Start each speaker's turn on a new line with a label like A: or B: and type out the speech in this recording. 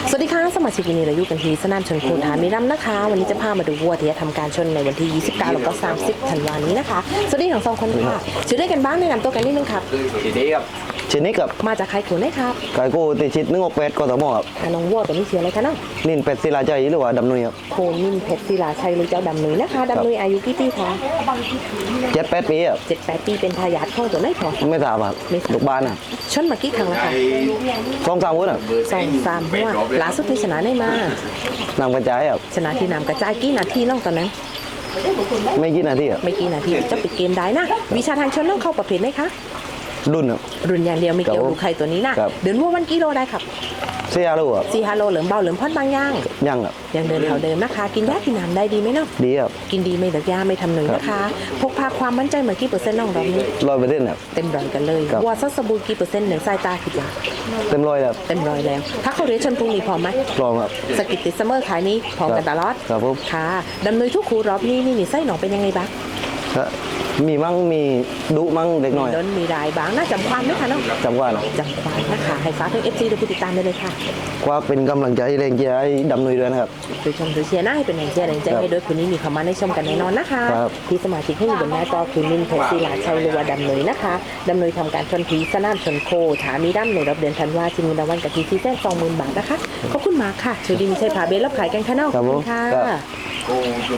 A: สวัสดีค่ะสมาชิกวันนี้เราอยู่กันที่สนามชนโคฐานมิรัมนะคะวันนี้จะพามาดูวัวที่จะทำการชนในวันที่ 29 แล้วก็ 30 ธันวาคมนี้นะคะสวัสดีทั้งสองคนค่ะชื่อได้กันบ้างแนะนำตัวกันนิดนึงครับ
B: ทีนี้ครับ
C: ชนิดกับ
A: มาจากใครขุนได้ครับ
C: ไก่กูติดชิด168กทมครับ
A: น้องวัวตัวนี้ชื่ออะไรคะน้อง
C: นินเป็ดศิลาใจหรือว่าดำนุยครับ
A: โคมินเพชรศิลาชัยหรือเจ้าดำนุยนะคะดำนุยอายุกี่ปีคะ
C: 7-8 ปีครับ
A: 7-8 ปีเป็นทายาทของตัวไหนพอ
C: ไม่ทราบครับ
A: ไม่ทราบ
C: ลูกบ้านครับ
A: ชนมากี่ครั้งแล้วคะ
C: 2-3วันครับ
A: 2-3 หัวล่าสุดที่ชนะได้มาน
C: ำกระจายครับ
A: ชนะที่นำกระจายกี่นาทีน้องตอนนั้น
C: ไม่กี่นาทีครับ
A: ไม่กี่นาทีจะปิดเกมได้นะวิชาทางชนน้องเข้าประเภทไหมคะ
C: รุ่นครับ
A: รุ่นอย่างเดียวไม่เกี่ยว
C: ครับ
A: ดูใครตัวนี้นะครับ เดินวัววันกิโลได้ครับ
C: เสียรู้ครับ
A: 4 ฮาโลเหลิมเบาเหลิมพอดบางย่าง
C: ยังครับ
A: ยังเดินแถวเดิมนะคะ กินยากินน้ำได้ดีไหมเนาะ
C: ดีครับ
A: กินดีไม่เลิกยาไม่ทำหนึ่งนะคะ พกพาความมั่นใจเหมือนกี่เปอร์เซ็นต์น้องรอบนี้
C: 100%ครับ
A: เต็มร้อยกันเลย
C: ครับ
A: วัวซัสบูกี่เปอร์เซ็นต์หนึ่งสายตาคิดว่า
C: เต็มร้อยครับ
A: เต็มร้อยแล้ว ถ้าเขาเรียนชนพรุ่งนี้พร้อมไหม
C: พร้อมครับ
A: สกิตติดซัมเมอร์ขายนี้พร้อมกันตลอด
C: ครับผม
A: ค่ะดำเนินทุกครูรอบนี้นี่ไส้หนองเป็นยังไงบ้าง
C: ก็มีมั่งมีดุมั่งเล็กน้อย
A: โดนมีรายบ้างน่าจำความไหมคะน้อง
C: จำว่านะ
A: จำความนะคะให้ฟ้ากถึง FC ดูผู้ติดตามได้เลยค่ะ
C: ควักเป็นกำลังใจแรงเชียร์ให้ดำนุยด้วยนะครับ
A: โดยชมโดยเชียร์หน้าให้เป็นแรงเชียร์แรงใจให้ด้วยคืนนี้มีความมาในชมกันแน่นอนนะคะ
C: ครับ
A: ที่สมาชิกที่มีบนหน้าจอคือมินเพชรศิลาชัยหรือว่าดำเนยนะคะดำเนยทำการชนผีสนามชนโคถามีดั้มในรอบเดือนธันวาชิงเงินรางวัลกับทีที่แจ้ง20,000 บาทนะคะขอบคุณมากค่ะชูดีมีชัยผาเบลรับขายกันค่ะน้อง
C: ครับผม
A: ค่ะ
C: ครับ